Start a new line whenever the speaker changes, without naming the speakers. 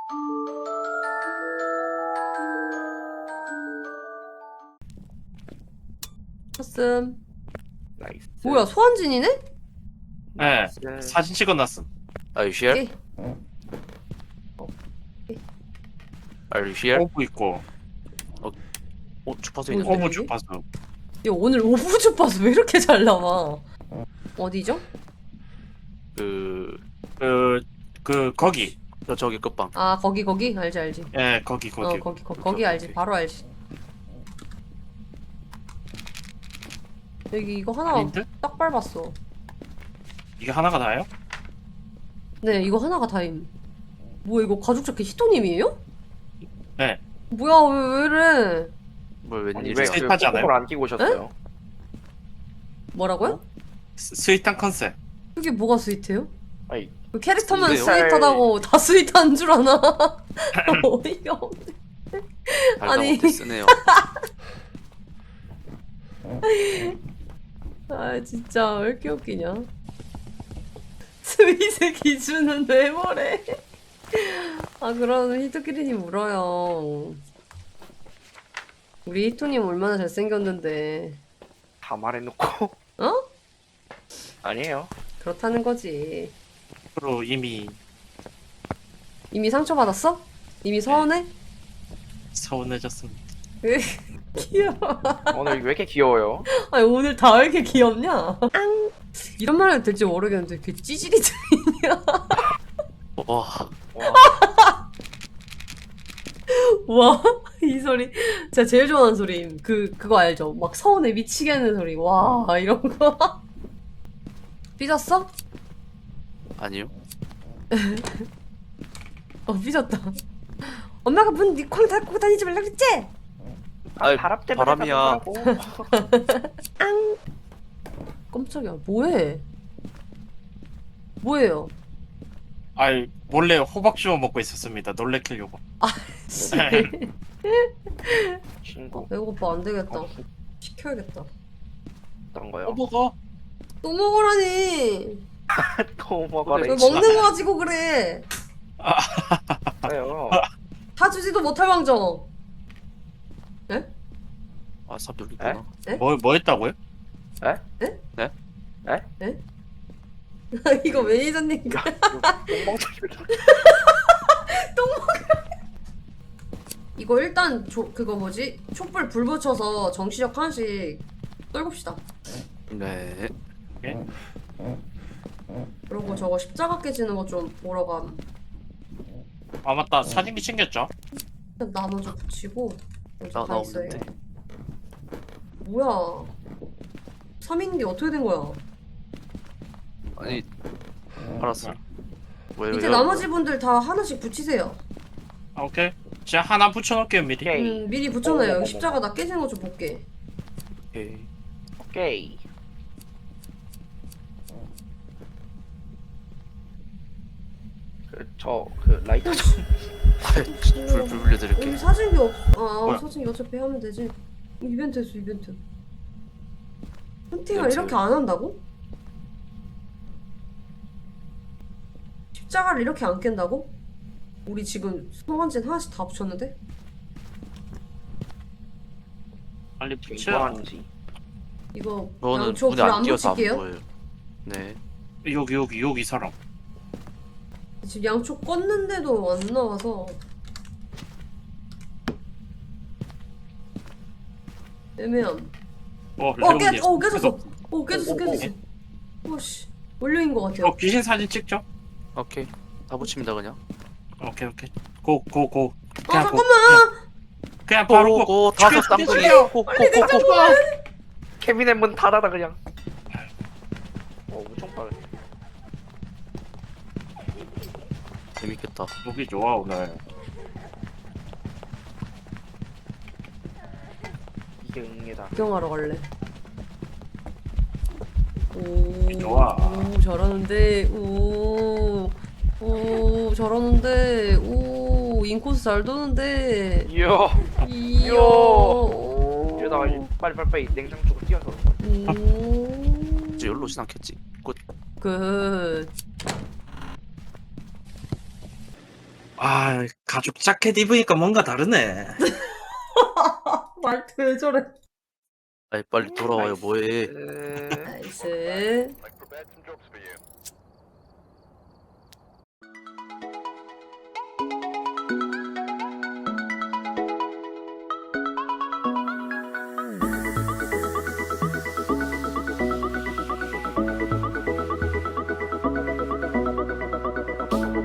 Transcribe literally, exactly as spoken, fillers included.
쳤음.
나이스.
뭐야, 소환진이네?
네, 사진 찍어놨음.
Are you here?
오케이.
Are you here?
오브 있고,
어, 주파수
뭐,
있는데.
오브
여기?
주파수.
야, 오늘 오브 주파수 왜 이렇게 잘 나와? 어디죠?
그,
그, 그, 거기.
저 저기 끝방.
아, 거기, 거기? 알지, 알지.
예, 거기, 거기.
어, 거기, 거,
오케이,
거기 알지.
오케이.
바로 알지. 여기 이거 하나
아닌데?
딱 밟았어.
이게 하나가 다예요?
네, 이거 하나가 다임. 뭐야, 이거 가죽 자켓 히토님이에요?
네.
뭐야, 왜, 왜 이래?
뭘
아니
웬일이야?
왜
스윗하지 않아요?
을 안 끼고 오셨어요?
뭐라고요?
스, 스윗한 컨셉.
그게 뭐가 스윗해요?
아니
그 캐릭터만
근데요?
스윗하다고 다 스윗한 줄 아나? 어이가 없네. 아니.
아니 쓰네요.
아, 진짜 왜 이렇게 웃기냐? 스윗의 기준은 왜 뭐래? 아, 그럼 히토키리님 울어요. 우리 히토님 얼마나 잘생겼는데.
다 말해놓고
어?
아니에요.
그렇다는 거지.
앞으로 이미
이미 상처받았어? 이미 서운해?
서운해졌습니다.
으, 귀여워.
오늘 왜 이렇게 귀여워요?
아니, 오늘 다 왜 이렇게 귀엽냐? 앙. 이런 말 해도 될지 모르겠는데 그 찌질이 들리냐?
와,
와,
와, 이 소리 제가 제일 좋아하는 소리임. 그 그거 알죠? 막 서운해 미치게 하는 소리. 와, 이런 거. 삐졌어?
아니요.
어, 삐졌다. 엄마가 문 쾅 닫고 다니지 말라 그랬지?
아이,
바람 때문에
바람이야.
앙. 깜짝이야. 뭐해? 뭐예요?
아이, 몰래 호박 씹어 먹고 있었습니다. 놀래키려고.
씨.
친구
배고파. 안 되겠다. 시켜야겠다.
어떤 거요?
호버거?
또 먹으라니.
또 먹어라.
왜 먹는 거 가지고 그래?
있어요.
다 주지도 못할 왕정. 에?
아, 삽 열리구나.
뭐, 뭐 했다고요?
이거 매니저님.
똥멍청이.
이거 일단 조, 그거 뭐지? 촛불 불 붙여서 정시적 하나씩 떨굽시다.
네.
예?
그리고 저거 십자가 깨지는 거 좀 보러 감.
아, 맞다. 사진기 챙겼죠?
일단 나무 좀 붙이고. 여기
나,
다
나
있어요.
없는데.
뭐야? 삼인기 어떻게 된 거야?
아니, 알았어. 왜,
밑에
왜요?
나머지 분들 다 하나씩 붙이세요.
아, 오케이. 제가 하나 붙여놓을게요, 미리.
오케이.
음, 미리 붙여놔요.
어머머머.
여기 십자가 나 깨지는 거 좀 볼게.
오케이.
오케이. 그저그 라이터 좀
불, 불 불려드릴게.
여기 사진기 없. 아,
뭐야?
사진기 어차피 하면 되지. 이벤트 했어, 이벤트. 헌팅을
이벤트.
이렇게 안 한다고? 십자가를 이렇게 안 깬다고? 우리 지금 소환진 하나씩 다 붙였는데?
빨리
지금
붙여.
뭐 하는지.
이거
저는
양초
문에
불
안
안
띄어서 안
붙일게요.
보여요. 네.
여기, 여기, 여기 사람.
지금 양초 껐는데도 안 나와서 애매함.
어,
어, 깨,
레온님.
어 깨졌어. 어 깨졌어,
어, 어,
깨졌어. 오씨, 원료인 것 같아요.
어, 귀신 사진 찍죠?
오케이. 다 붙입니다, 그냥.
오케이, 오케이. 고, 고, 고.
아
그냥 고.
잠깐만.
그냥 바로 고.
고, 다섯
죽여,
쌍둥이.
죽여.
고, 고,
빨리
고, 고.
냉장고에.
케빈의 문 닫아라 그냥. 어 엄청 빠르네.
재밌겠다.
보기 좋아, 오늘.
이게 응애다.
구경하러 갈래. 오,
좋아.
오 잘하는데. 오, 오 잘하는데. 오 인코스 잘 도는데.
이야.
이야.
이야.
오.
이러다가 이제 빨리빨리 냉장 쪽으로 뛰어서 오는 거야.
오.
이제 열로 오진 않겠지. 굿.
굿.
아 가죽 자켓 입으니까 뭔가 다르네.
말투 왜 저래?
아이 빨리 돌아와요. 뭐해?
에...
나이스.